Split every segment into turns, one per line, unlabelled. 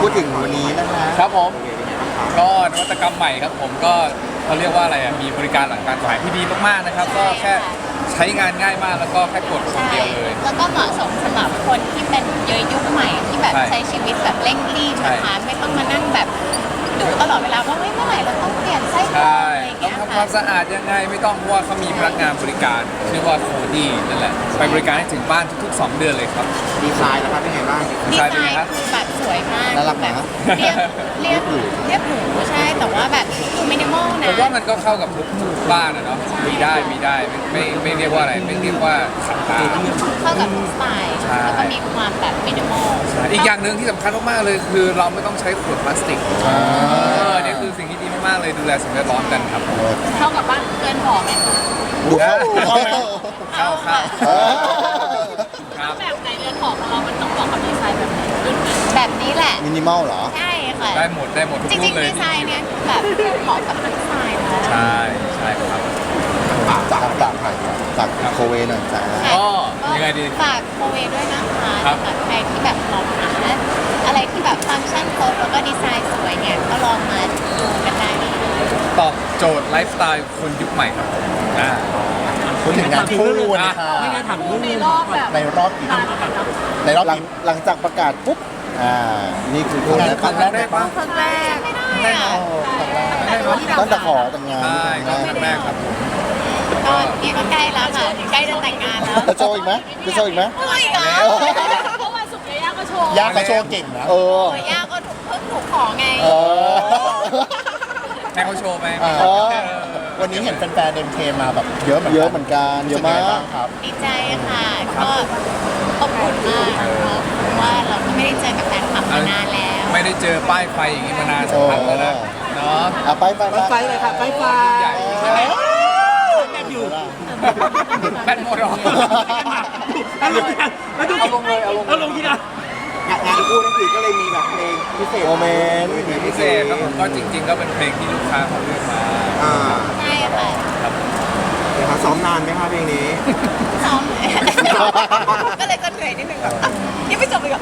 ดถึงวันนี้นะคะ
ครับผมก็นวัตกรรมใหม่ครับผมก็เขาเรียกว่าอะไรอ่ะมีบริการหลังการขายที่ดีมากๆนะครับก็แค่ใช้งานง่ายมากแล้วก็แค่กดคนเดียวเลย
แล้วก็เหมาะสมสำหรับคนที่เป็นเยอะยุคใหม่ที่แบบ
ใช่
ใช้ชีวิตแบบเร่งรีบนะคะไม่ต้องมานั่งแบบดูตลอดเวลาว่าเมื่อไหร่เราต้องเปลี่ยนไส้กรอง
ใช่
อะไรอย่าง
ต้อ
เงี้
ง
ย
ทำค
ค่ะ
วามสะอาดยังไงไม่ต้องเพราะว่าเขามีพนักงานบริการชื่อว่าโคดี้นั่นแหละไปบริการให้ถึงบ้านทุกๆ 2 เดือนเลยครับ
ดีไซน์นะครับเป็นไงบ้าง
ดีไซน์
เป็นไงครับ
คือแบบสวยมาก
น่ารักนะ
แบบเรียบหรูใช่แต่ว่าแบบดูมินิมอล
ผ
นะ
มว่ามันก็เข้ากับทุกบ้านอะเนาะมีได้ไม่เรียกว่าอะไรไม่เรียกว่าขัดตา
เข้ากับทุกสไตล์
ใช่
แล้วก็มีความแบบมินิมอล
อีกอย่างหนึ่งที่สำคัญมากๆเลยคือเราไม่ต้องใช้ขวดพลาสติกเนี่ยคือสิ่งที่ดีมากๆเลยดูแลสิ่งแวดล้อมกันครับ
เข้ากับบ้านเพื่อนหอไหม
ดูเข้าไหม
เข้า
ค่ะ
ครับ
แบบไหนเรือนหอของเรามันต้องบอกกับดีไซน์แบบไหนแบบนี้แหละ
มินิมอลเหรอ
ใช่ค่ะ
ได้หมดทุก
จ
รู
ริ
ป
ง
เล
ๆ
ย
ดีไซน์เนี่ยแบบเหมาะกับทุกสไตล์นะ
ใช่ครับ
จากโคเวหน่อยจ้า
ก็ยังไงดี
ฝากโคเวด้วยนะคะ
ครับ
สำหรับใครที่แบบมองหาอะไรที่แบบฟังก์ชันครบแล้วก็ดีไซน์สวยเนี่ยก็ลองมาดูกันได้เลย
ตอบโจทย์ไลฟ์สไตล์คนยุคใหม่ครับอ่า
พูดถึงงานคู่นะคะ
ไม่งั้นถามเรื่องนี้
ในรอบกี่ในรอบหลังจากประกาศปุ๊บนี่คือคนแรก
ครั้งแรกปะ
ครั้งแรกไม่ได้อะ
ตั้งแต่ขอแต่งงาน
ใช่ก็ครั้งแรกครับผม
ก็นี่ก็ใกล้แล้วค่ะใกล้จะแต่งงานแล้ว
จะโชว์อีกไหมจะโชว์อีกไหม
โอ้ยเหรอ
เพราะวันศุกร์ย่าก็โชว์
ย่าเขาโชว์เก่งนะ
โอ้ยย่าก็ถูกขอไง
ให้เขาโชว์ไหม
วันนี้เห็นแฟนๆเดินเทมาแบบเยอะเหมือนกันเยอะมากครับ
ดีใจค่ะก็อบอุ่นมากเนาะเพราะว่าเราก็ไม่ได้เจอกับแฟนคลับมานานแล้ว
ไม่ได้เจอป้ายไฟอย่างนี้มานานสักพักแล้วนะเนาะ
ไป
ไฟเลยค่ะไฟไฟ
ใหญ่ใช่ไหม
แบบอยู่
แบตหมดหรอ
เอาลงเอาลงที่นะ
งานคู่นั่นคือก็เลยมีแบบเพลงพิเศษโมเมนต์
พิเศษครับผมก็จริง ๆ ก็เป็นเพลงที่ลูกค้าเขาเลือกมา
ใช่ค่ะ
ครับ
ซ้อมนานไหมคะเพลงนี้
ซ้อมก็เลยจะเหนื่อยนิดนึงแบบยังไม่จบเลยอ่ะ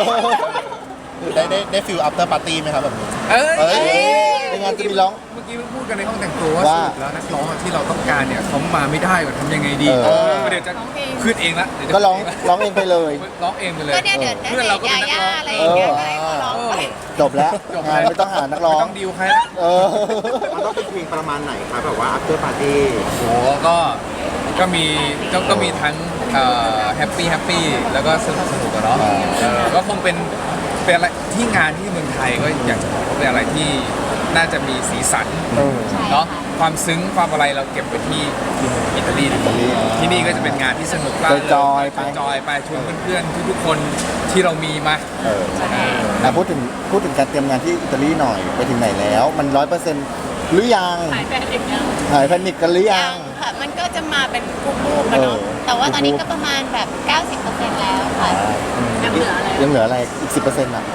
ได้ฟิลอัปเตอร์ปาร์ตี้ไหมครับแบบนี้
เอ้ย
ในงานจะมีร้อง
เมื่อกี้เพิ่งพูดกันในห้องแต่งตัวว่า
ว่า
สรุปแล้วนักร้องที่เราต้องการเนี่ยเขามาไม่ได้ว่าทำยังไงดี
เออ
เดี๋ยวจะขึ้นเองละเดี๋ยวจะ
ก็ร้องเองไปเลย
ร้องเองไปเลย
ก็เนี่ยเดี๋ยว
เพื่อนเราก็
ยา
เป็นนัก
ย่า
ร้อง
อะไรอย่างเงี้ยให้เขาร้องไป
จบแล้ว
จบ
งานไม่ต้องหานักร้อง
ไม่ต้องดีลใครละ
มันต้องเป็นเพลงประมาณไหนครับแบบว่าอัปเตอร์ปาร์ตี้
โหก็มีทั้งแฮปปี้แล้วก็สนุกอะเนาะก็คงเป็นอะไรที่งานที่เมืองไทยก็อยากจะบอกว่าเป็นอะไรที่น่าจะมีสีสันเนาะความซึ้งความอะไรเราเก็บไว้ที่อิตาลีดีกว่าที่นี่ก็จะเป็นงานที่สนุกมาก
จอยๆไป
จอยไปชวนเพื่อนๆทุกๆคนที่เรามีมา
พูดถึงการเตรียมงานที่อิตาลีหน่อยไปถึงไหนแล้ว มัน100%หรือยัง
หายไปอีกแล้ว
หายแพนิคกันหรือยัง
ค่ะมันก็จะมาเป็นรูปๆกันเนาะแต่ว่าตอนนี้ก็ประมาณแบบ 90%แล้วค่ะยังเหลืออะไร
ยังเหลืออะไรอีก 10%อ่ะ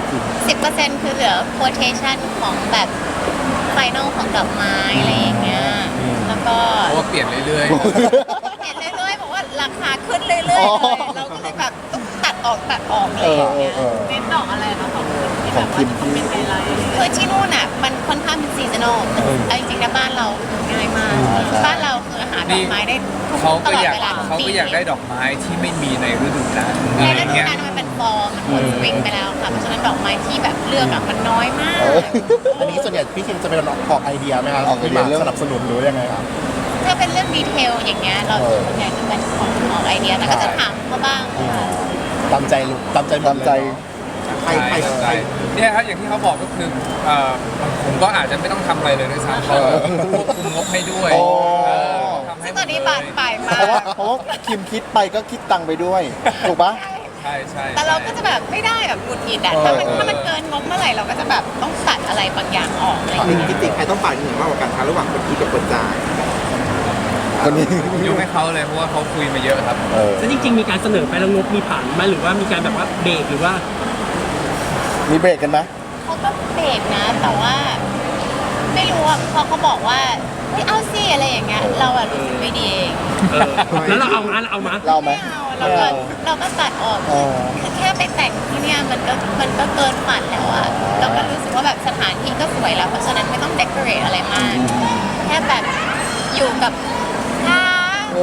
10%คือเหลือ quotation ของแบบไฟนอลของดอกไม้อะไรอย่างเงี้ยแล้วก็
เพราะว่าเปลี่ยนเรื่อย
เห็นเรื่อยๆบอกว่าราคาขึ้นเรื่อยๆเลยเราก็เลยแบบต้องตัดออกอะไรอย่างเงี้ยเน้นดอกอะไรคะของที่แบบว่าคอมเมนต์ไกด์ไลน์คือที่นู่นอ่ะมันค่อนข้างเป็นซีซันอลแต่จริงๆนะบ้านเราง่ายมากบ้านเราคืออาหารดอกไม้ได้ทุก
ๆเขา
ต
ก็
ลอด
อยาก
เวลา
เขาก็อยากได้ดอกไม้ที่ไม่มีในฤดูกาล
ใน
อะไร
ฤดู
เงี้ย
กาลมันเป็นฟอร์มันหมดสปริงไปแล้วค่ะเพราะฉะนั้นดอกไม้ที่แบบเลือกอะมันน้อยมาก
อันนี้ส่วนใหญ่พี่คิมจะเป็นออกไอเดียไหมครับออกไอเดียเรื่องสนับสนุนหรือยังไงครับ
ถ้าเป็นเรื่องดีเทลอย่างเงี้ยเราส่วนใหญ่จะเป็นของออกไอเดียแต่ก็จะถามเขาบ้างค่ะ
ตามใจลูกตามใจหมดเลย
ใช่เนี่ยครับอย่างที่เขาบอกก็คือผมก็อาจจะไม่ต้องทำอะไรเลยด้วยซ้ำเขาควบคุมงบให้ด้วยทำให้
ซึ่งตอนนี้บานปลายมา
เพราะ
ก
ว่าคิมคิดไปก็คิดตังค์ไปด้วย ถูกปะ
ใช่
แต่เราก็จะแบบไม่ได้แบบหงุดหงิดอะถ้ามันเกินงบเมื่อไหร่เราก็จะแบบต้องตัดอะไรบางอย่างออกอะไรอย่าง
จริ
เงี้
ง
ย
จริงใครต้องฝ่ายหนึ่งมากกว่ากันคะระหว่างคนคิดกับคนจ่ายคนนี้
ผมยกให้เขาเลยเพราะว่าเขาคุยมาเยอะครับ
แล้วจริงๆมีการเสนอไปแล้วงบมีผ่านไหมหรือว่ามีการแบบว่าเบรกหรือว่า
มีเบรกกันไหม
เขาก็เบรกนะ แต่ว่าไม่รู้อะพอเขาบอกว่าไม่เอาสิอะไรอย่างเงี้ยเราอะรู้สึกไม่ดีเอง
แล้วเราเอามา
เล่าไหม
ไม่เอาเราก็ตัดออกคือแค่ไปแต่งที่เนี่ยมันก็เกินฝันแล้วอะเราก็รู้สึกว่าแบบสถานที่ก็สวยแล้วเพราะฉะนั้นไม่ต้องเดคอเรทอะไรมากแค่แบบอยู่กับท่า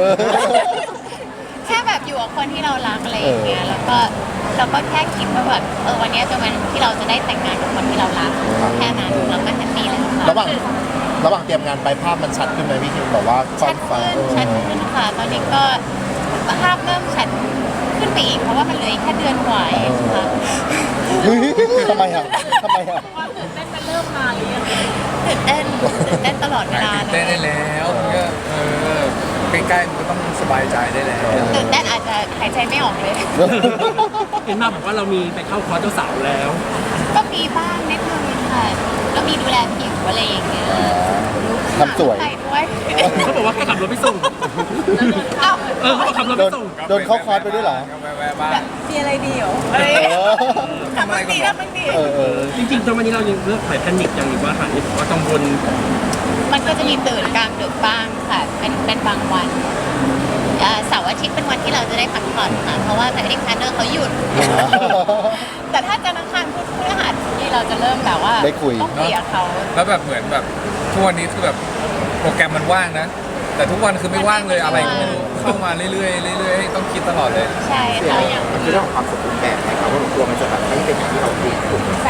แค่แบบอยู่กับคนที่เรารักอะไรอย่างเงี้ยแล้วก็เราก็แค่คิดว่าแบบวันนี้จะเป็นวันที่เราจะได้แต่งงานกับคนที่เรารักแค่นั้นเราก็แฮปปี้แล้วค่ะ
ระหว่างเตรียมงานไปภาพมันชัดขึ้นไหมพี่คิมบอกว่าควา
ชั
ม
ด
ฝัน
ขึ้นค่ะตอนนี้ก็ภาพเริ่มชัดขึ้นไปอีกเพราะว่ามันเหลืออีกแค่เดือนกว่าเองค่ะ
ทำไมอ่ะทำไมอ่ะ
ตื่นเต้นตลอดเวลา
ตื่น
เล
เต้น
ย
ได้แล้วมันก็ใกล้ๆมันก็ต้องสบายใจได้แล้ว
ตื่นเต้นอาจจะหายใจไม่ออกเลย
เห็นมาบอกว่าเรามีไปเข้าคอร์สเจ้าสาวแล้ว
ก็มีบ้างนิดนึงค่ะก็มีดูแลผิวอะไรอย่างเงี้ย
ทำสวย
ไปด้วย
เขาบอกว่าแค่ขับรถไปส่ง
เอ้า
เขาบอกขับรถ
โด
ไป
น
ส่ง
โดนเข้าคอร์สไปด้วยเหรอ
ก็แวะๆบ้าง
มีอะไรดีเหรอทำมันดีทำมันดี
จริงๆตอนวันนี้เรายังเลือกถ่ายแพนิคอย่างหรือว่าหายว่ากังวล
มันก็จะมีตื่นกลางดึกบ้างค่ะเป็นบางวันเสาร์อาทิตย์เป็นวันที่เราจะได้พักผ่อนค่ะเพราะว่าแต่เด็กพาร์เนอร์เขาหยุด แต่ถ้าจันทร์อังคารพุธพฤหัสนี่เราจะเริ่มแบบว่า
ได้คุย
ต้องเคลียร์เขา
แล้วแบบเหมือนแบบทุกวันนี้คือแบบโปรแกรมมันว่างนะ แต่ทุกวันคือไม่ว่างเลยอะไรก็ไม่รู้เข้ามาเรื่อยๆเรื่อยๆต้องคิดตลอดเลย
ใช่ค่ะอย่าง
มันคือเรื่องของความสมบูรณ์แบบนะครับว่าผมกลัวมันจะแบบไม่เป็นอย่างที่เราคิด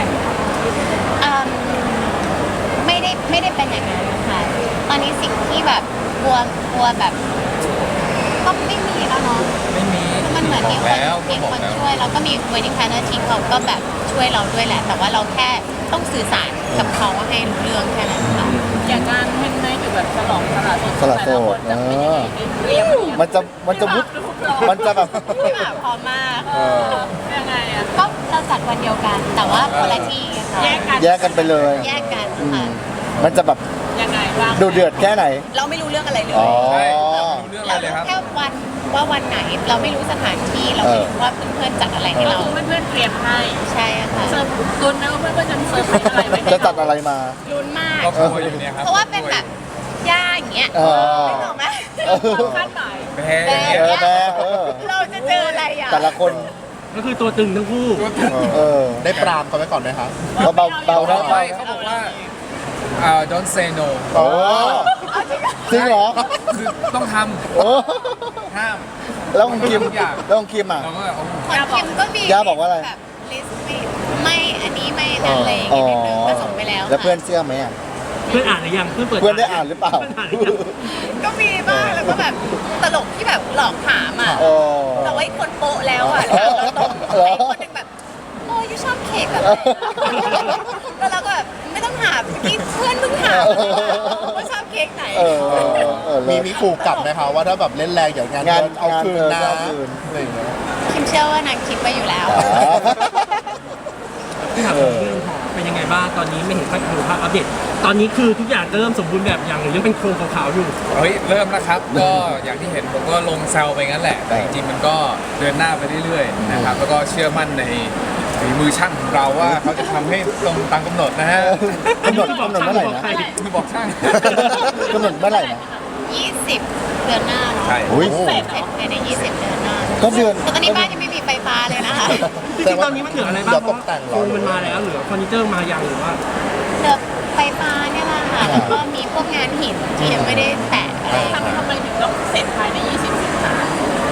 ไม่ได้เป็นอย่างนั้นค่ะตอนนี้สิ่งที่แบบกลัวแบบก็ไม่มีแล้วเนาะ
ไม่มี
มันเหมือนมี
บ
ค
อก
น
แล้ว
มี
บอก
คน
แล้ว
ช่วยแล้วก็มี wedding planner ทีมเขาก็แบบช่วยเราด้วยแหละ แต่ว่าเราแค่ต้องสื่อสารกับเขาให้รู้เรื่องแค่นั้นค่ะ
อย่างงานแฮนด์เมดหรือแบบฉลองสละโสด
สละโสด
แต่ละคนจะเป็นยังไงเรียบ
มันจะวุบมันจะแบบ
พี่หมาพร้อมมาก
ยังไงอะ
ก็เราจัดวันเดียวกัน แต่ว่าคนละที่ค่ะ
แยกกัน
แยกกันไปเลย
แยกกันค่ะ
มันจะแบบ
ยังไงบ้าง
ดูเดือดแค่ไหน
เราไม่รู้เรื่องอะไรเลย
อ๋อ
ใช่ไม่รู้เรื่องอะไร
เรา
เลยครับ
แค่วันว่าวันไหนเราไม่รู้สถานที่เราไม่รู้ว่าเพื่อนๆจัดอะไรให้
ก็
เรา
คือเพื่อนๆเตรียมให้
ใช่ค่ะ
เซิร์ฟลุ้นไหมว่าเพื่อนๆจะเซิร์ฟอะไรไว้ให้
จะจัดอะไรมา
ลุ้นมาก
ก็กลัวอยู่เนี่ยครับ
เพราะว่าเป็นแบบย่าอย่างเงี้ย
เออ
ไม่บอกไหม
ความคาดหมาย
แพ้อย่าง
เอ
เงี้ย
อแม่เออ
เราจะเจออะไรอ่ะ
แต่ละคน
ก็คือตัวตึงทั้งคู่
เออ
ได้ปรามเขาไว้ก่อนไหมคะ
เบาเบาๆนะ
ไม่เขาบอกว่าdon't say no
โอ้จริงเหรอ
คือต้องท
โอ้
ำห้าม
แล้วของคิม
ทุกอย่าง
แล้วของคิมอ่ะ
เราก็เอา
ของคิมก็มี
ย่าบอกว่าอะไร
แบบลิสต์ไม่อันนี้ไม่นั่นอะไรอย่างเงี้ยนิดนึงก็ส่งไปแล้ว
แล้วเพื่อนเชื่อไหมอ่ะ
เพื่อนอ่านหรือยังเพื่อนเปิด
เพื่อนได้อ่านหรือเปล่า
พื่อนอ่านหรือยัง
ก็มีบ้างแล้วก็แบบตลกที่แบบหลอกถามอ่ะ
โอ้
แต่ว่าอีกคนโปะแล้วอ่ะ
เออ
แล้วตรง
เหรอ
ไอ้คนหนึงแบบโอ้ยชอบเค้กแบบไหนแล้วเราก็แบบไม่ต้องถามเมื่อกี้เพื่อนเพิ่งถามว่าชอบเค้กไหน
เออเลิศ
มีขู่กลับไหมคะว่าถ้าแบบเล่นแรงอย่างงาน
งาน
เดินเอาคืนนะ
งานเดินเอาคืน
อะไรอย่างเงี้ย
คิมเชื่อว่านางคิดไว้อยู่แล้ว
ที่ถามถึงเรื่องของเป็นยังไงบ้างตอนนี้ไม่เห็นค่อยดูภาพอัปเดตตอนนี้คือทุกอย่างเริ่มสมบูรณ์แบบอย่างหรือยังเป็นโครงขาวๆอยู่
เฮ้ยเริ่มแล้วครับ ก็อย่างที่เห็นผมก็ลงแซวไปงั้นแหละ แต่จริงๆมันก็เดินหน้าไปเรื่อยๆนะครับแล้วก็เชื่อมั่นในฝีมือช่างของเราว่าเขาจะทำให้ตรงตามกำหนดนะฮะ
กำหนดเมื่อไหร่นะ
คือบอกช่าง
กำหนดเมื่อไหร่นะ
20 เดือนหน้าเนาะ
ใช่
อุ้ย
เสร็จภายใน 20 เดือนหน้า
ก็เดือน
แต่ตอนนี้บ้านยังไม่มีไฟฟ้าเลยนะคะ
จริงๆตอนนี้มันเหลืออะไรบ้าง
เดี๋ยว
เพ
ต
ราะ
กแต่งเหร
โคร
อ
งมันมาแล้วเหลือเฟอร์นิเจอร์มายังหรือว่า
เหลือไฟฟ้าเนี่ยแหละค่ะ แล้วก็มีพวกงานหินที่ยังไม่ได้แตะอะไร
ทำไมถึงต้องเสร็จภายใน 20 สิงหา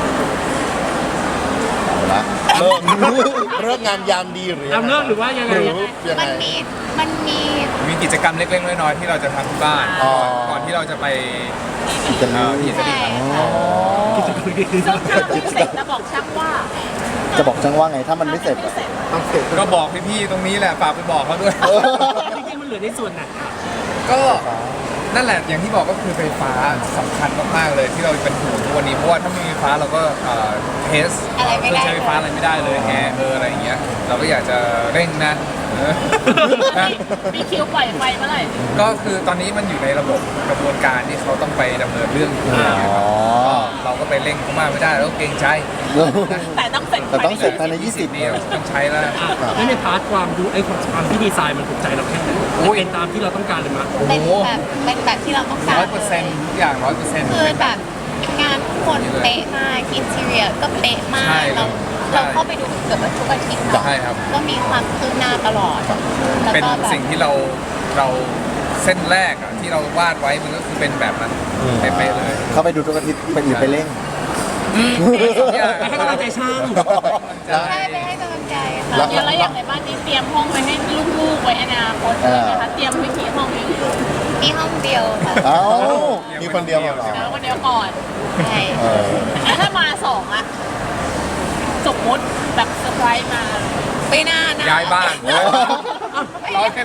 เลิกงามยามดีหรือ
เอาเลิกหรือว่ายังไง
หรือยังไง
มันมี
มีกิจกรรมเล็กๆน้อยๆที่เราจะทำที่บ้าน
อ๋อ
ก่อนที่เราจะไป
จะมี
ที่อิตาลี
ใช่
ครับ
ค่ะ
ซึ่งถ้าไม่เสร็จจะบอกช่างว่า
จะบอกจังว่าไงถ้ามันไม่เสร็จอะ
ต้องเสร็จ
ก็บอกพี่ๆตรงนี้แหละฝากไปบอกเขาด้วย
จริงๆมันเหลือในส่วนไหน
ก็นั่นแหละอย่างที่บอกก็คือไฟฟ้าสำคัญมากๆเลยที่เราเป็นห่วงทุกวันนี้เพราะว่าถ้าไม่มีไฟฟ้าเราก็เทส
อะไรไม่ได้
ใช้ไฟฟ้าอะไรไม่ได้เลยแอร์อะไรอย่างเงี้ยเราก็อยากจะเร่งนะนะ
มีคิวปล่อยไฟเมื่อไหร่
ก็คือตอนนี้มันอยู่ในระบบกระบวนการที่เขาต้องไปดำเนินเรื่องอยู่
อ๋อ
เราก็ไปเร่งเขามากไม่ได้แล้วก็เกรงใจ
แต่ต้องเสร็จ
แต่ต้องเสร็จภายใน
20นี้ต้องใช้แล้ว
อ่ะแล้วในพาร์ทความดูไอ้ความที่ดีไซน์มันถูกใจเราแค่ไหน
โอ้ย
เป็นตามที่เราต้องการเลยมั้ย
เป็นแบบที่เราต้องการ
100%ทุกอย่าง100%
คือแบบงานโคคนเป๊ะมากอินทีเรียก็เป๊ะมา
ใช่
กเราเข้าไปดูเกือบทุกอาทิตย์เนาะ
ใช่ครับ
ก็มีความคืบหน้าตลอดแล้ว
เป็น
ก็แบบ
สิ่งที่เราเส้นแรกอะที่เราวาดไว้มันก็คือเป็นแบบนั้นเป๊ะๆเลย
เข้าไปดูทุกอาทิตย์ไปหรือไปเล่น
ให้กำลังใจช่าง
ใช่ไปให้กำลังใจค่ะ
แล้วอย่างในบ้านนี้เตรียมห้องไว้ให้ลูกๆไว้อนาคตเลยนะคะเตรียมไว้กี่ห้องเลย
มีห้องเดียวค่ะ
เอ้า
มีคนเดียวเหรอ
แล้ววันเดียวก่อน
ใช่
เออ
ถ้ามาสองอะสมมติแบบเซอร์ไพรส์มา
ไม่น่านะ
ย้ายบ้านเราเล่น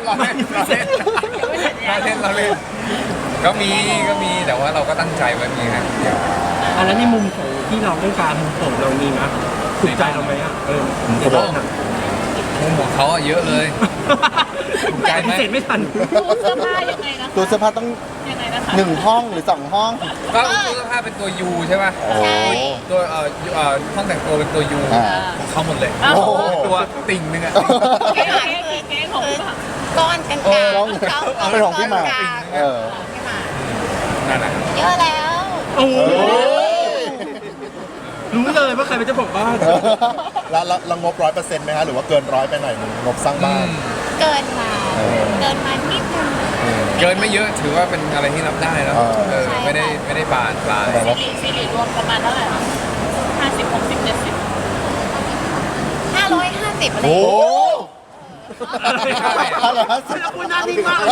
ก็มีแต่ว่าเราก็ตั้งใจไว้มีครับ
อันนั้นในมุมของที่เราต้องการมุมของเรามีมั้ยถูกใจเราไหมอ่ะในบ้านอะ
มุมของเขาอะเยอะเลย ถูกใจไหม
ปฏิเสธไม่ทัน
ตู้เสื้อผ้ายังไงนะคะ
ตัวเสื้อผ้าต้อง
ยังไงนะคะ
1 ห้องหรือ 2 ห้อง
ก็ตู้เสื้อผ้าเป็นตัว U ใช่ป่ะ
ใช่
ตัวห้องแต่งตัวเป็นตัว U
อ่า
ของเขาหมดเลย
โอ้โห
ตัวติ่งนึงอะ
เก๊ของ
ก้อนกลาง
เออ
ๆ
ก้อนเป็นของพี่หมาก
ก้อนกลางๆ
เออ
ของพี่หมาก
นั่นแหละ
เยอะแล้ว
โอ้โห
เฮ้ย
รู้เลยว่าใครเป็นเจ้าของบ้าน
แล้วงบ100%ไหมฮะหรือว่าเกิน100ไปหน่อยนึงงบสร้างบ้าน
เกินมานิดนึง
เกินไม่เยอะถือว่าเป็นอะไรที่รับได้แล้ว
เออ
ไม่ได้บานปลาย
ซีรีส์รวมประมาณเท่าไหร่คะ50 60 70
550อะไร
โอ้โห
ไม่ใช่
อะไรฮะ
แล้วคุณน่านิ่งมากเลย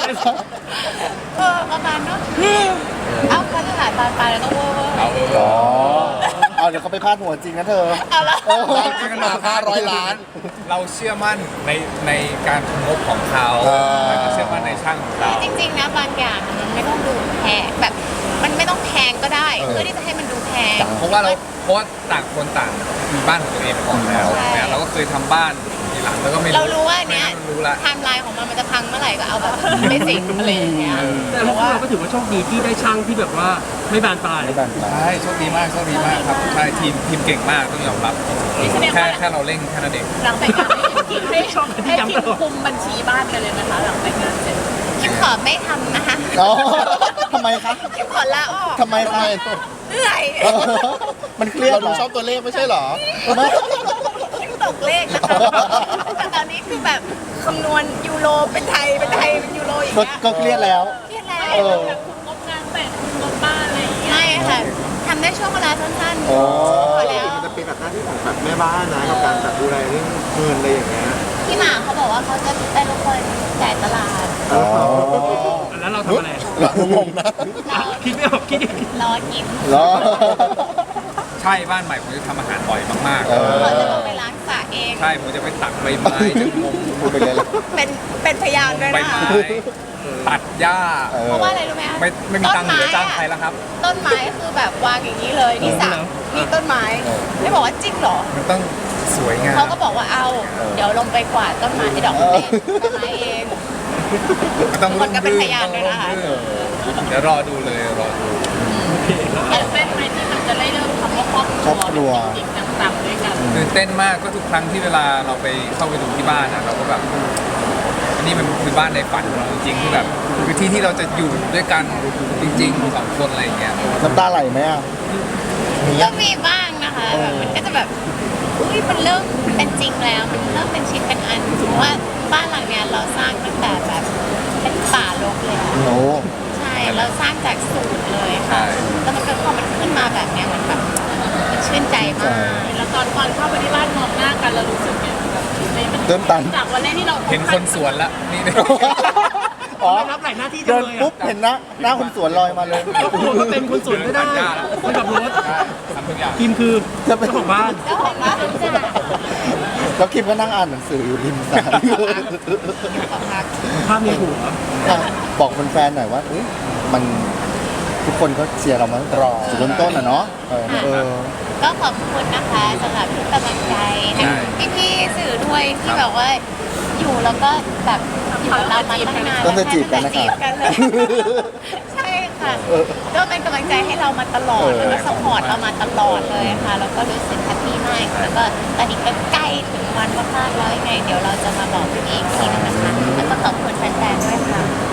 ประมาณเนาะเอาค่าตลาดบานปลายแล้วก็เวอร์
เอา
อ๋อเอาเดี๋ยวเขาไปพาดหัวจริงนะเธอ
เอาละ
บ้านขึ้นมา500 ล้าน
เราเชื่อมั่นในการงบของเขา
เออ
แล้วก็เชื่อมั่นในช่างของเรา
จริงๆนะบางอย่างมันไม่ต้องดูแพงแบบมันไม่ต้องแพงก็ได้เพื่อที่จะให้มันดูแพง
เพราะว่าต่างคนต่างมีบ้านของตัวเองก่อนแล้ว
ใช่
เนี่ยเราก็เคยทำบ้านทีหลังแล้วก็ไม่
เรารู้ว่าเนี้ย
ไม่รู้ละ
ไทม์ไลน์ของมันจะพังเมื่อไหร่ก็เอาแบบไม่สิงอะไรอย่างเงี้ย
แต่พวกเราก็ถือว่าโชคดีที่ได้ช่างที่แบบว่าไม่บานปลาย
ไม่บันปลา
ใช่โชคดีมากครับใช่ทีมเก่งมากต้องยอมรับแค่เราเร่งแค่นั้นเอง
หลังแต่งงานให้ทีมคุมบัญชีบ้านกันเลยนะคะหลังแต่งงานเสร็จ
คิมขอไม่ทำนะคะ
อ๋อทำไมคะ
คิมขอลาออก
ทำไมคะ
เหนื่อย
มันเครียด
เรา
เหร
ดู
อ
ชอบตัวเลขไม่ใช่เหรอ
ไม่
คิมตกเลขนะคะแต่ตอนนี้คือแบบคำนวณยูโรเป็นไทยเป็นยูโรอย่าง
ก็
เงี้ย
ก็เครียดแล้ว
เครียดแล้ว
เออ
แบบคุมงบงานแต่งคุมงบบ้านอะไรอย่างเงี้ย
ไม่ค่ะทำได้ช่วงเวลาสั้นๆ
อ๋อ
พอแล้ว
มันจะเป็นแบบหน้าที่ของแบบแม่บ้านนะกับการแบบดูแลเรื่องเงินอะไรอย่างเงี้ย
พี่หมาเขาบอกว่าเขาจะเป็นคนจ่ายตลาด
อ๋อ
แล้วเราทำอะไร
งงนะ
คิดไม่ออกคิดอย่าง
รอกิน
เหรอ
ใช่บ้านใหม่ผมจะทำอาหารบ่อยมาก
เออ
เขาจะลงไปล้างสระเอง
ๆใช่ผมจะไปตักใบไม้จะงม
พูดไปเลยละ
เป็นพยานด้วย
ใบ
นะคะ
ไม้ตัดหญ้า
เออ
เพราะว่าอะไรรู้ไหมคะ
ไม่มีตังค์เหลือจ้างใครแล้วครับ
ต้นไม้คือแบบวางอย่างนี้เลยนี่สระนี่ต้นไม้ไม่บอกว่าจริงเหรอ
มันต้องสวยงาม
เขาก็บอกว่าเอาเดี๋ยวลงไปกวาดต้นไม้ดอกไม้ต้นไม้เอง
มันต้อง
คนก็เป็นพยานด้วยนะคะ
เดี๋ยวรอดูเลยรอดู
ตื่นเต้นไหมที่มันจะได้เริ่มคำว่าครอบค
ครอบครั
รั
ว
วจริงๆต่างๆด้วยกัน
ตื่นเต้นมากก็ทุกครั้งที่เวลาเราไปเข้าไปดูที่บ้านนะเราก็แบบอันนี้มันคือบ้านในฝันของเราจริงๆที่แบบคือที่ที่เราจะอยู่ด้วยกันจริงๆสองคนอะไรอย่างเงี้ย
น้ำตาไหลไหมอ่ะ
ก็มีบ้างนะคะแบบมันก็จะแบบอุ้ยมันเริ่มเป็นจริงแล้ว มันเริ่มเป็นชิ้นเป็นอันสมมติว่าบ้านหลังเนี้ยเราสร้างตั้งแต่แบบเป็นป่ารกเลยอะ
โอ้
ใช่เราสร้างจากศูนย์เลยค่ะแล้วมันก็พอมันขึ้นมาแบบเนี้ยมันแบบมันชื่นใจมาก
แล้วตอนเข้าไปที่บ้านมองหน้ากันเรารู้สึกเนี่ยแบบมัน
เติมตัน
จากวันแรกที่เรา
เห็นคนสวนละนี่
อ๋อ
ไม่รับหลายหน้าที่จั
เดิ
ง
น
เลย
ปุ๊บเห็นหน้าคนสวนลอยมาเลย
ก็คุณก็เป็นคนสวนก็ได้คนขับรถ
ทำทุกอย่าง
ทีมคือเจ้าของบ้าน
เจ้าของบ้านจ้ะ
แล้วคิมก็นั่งอ่านหนังสืออยู่ริมสระ
ขอพัก
ภาพในหัว
อ่ะบอกแฟนๆหน่อยว่าอุ๊ยมันทุกคนก็เชียร์เรามาตั้งแต่จุดเริ่มต้นอ่ะเนาะเออ
ก็ขอบคุณนะคะสำหรับทุกกำลังใจให้พี่ๆสื่อด้วยที่แบบว่าอยู่แล้วก็แบบอยู่กับเรามาตั้งนาน
ต้องจะจีบกันนะ
จี
คะ
บกันเลยใช่ค่ะก็เป็นกำลังใจให้เรามาตลอดแล้วก็สปอร์ตเรามาตลอดเลยค่ะแล้วก็รู้สึกแฮปปี้มากแล้วก็ตอนนี้ก็ใกล้ถึงวันมากๆแล้วยังไงเดี๋ยวเราจะมาบอกพี่อีกทีนึงนะคะแล้วก็ขอบคุณแฟนๆด้วยค่ะ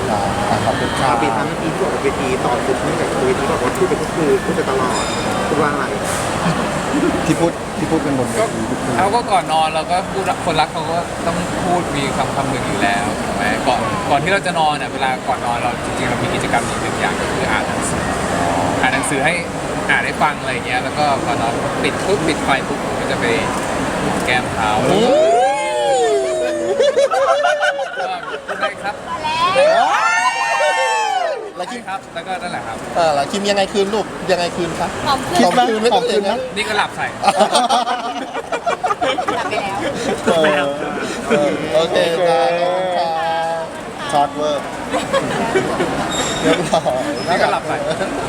ขอบคุณครับ
ปีทั้งเมื่อกี้ที่บอกว่าเวทีต่อสุดที่แบบเวทีบอกว่าพูดไปทุกคืนพูดไปตลอดพูดว่าอะไร
ที่พูดกันบนเว
ก็
ทีทุกคืน
เขาก็ก่อนนอนเราก็พูดคนรักเขาก็ต้องพูดมีคำหนึ่งอยู่แล้วถูกไหมก่อนที่เราจะนอนเวลาก่อนนอนเราจริงๆเรามีกิจกรรมอีกหนึ่งอย่างก็คืออ่านหนังสือให้อ่านให้ฟังอะไรเงี้ยแล้วก็ก่อนนอนปิดไฟปุ๊บผมก็จะไปจุ่มแก้มเขาก็พูดได้ครับ
แล้วคิม
ครับแล้วก็นั่นแหละครับ
แล้วคิมยังไงคืนลูกยังไงคืนคะ
หอมขึ้น
คิดไหมหอมคืนไหม
นี่ก็หลับใส่
กลับไปแล้ว
โอเคจ้าขอบคุณค่ะช็อตเวอร์เรียบร้อย
นี่ก็หลับใส่
เ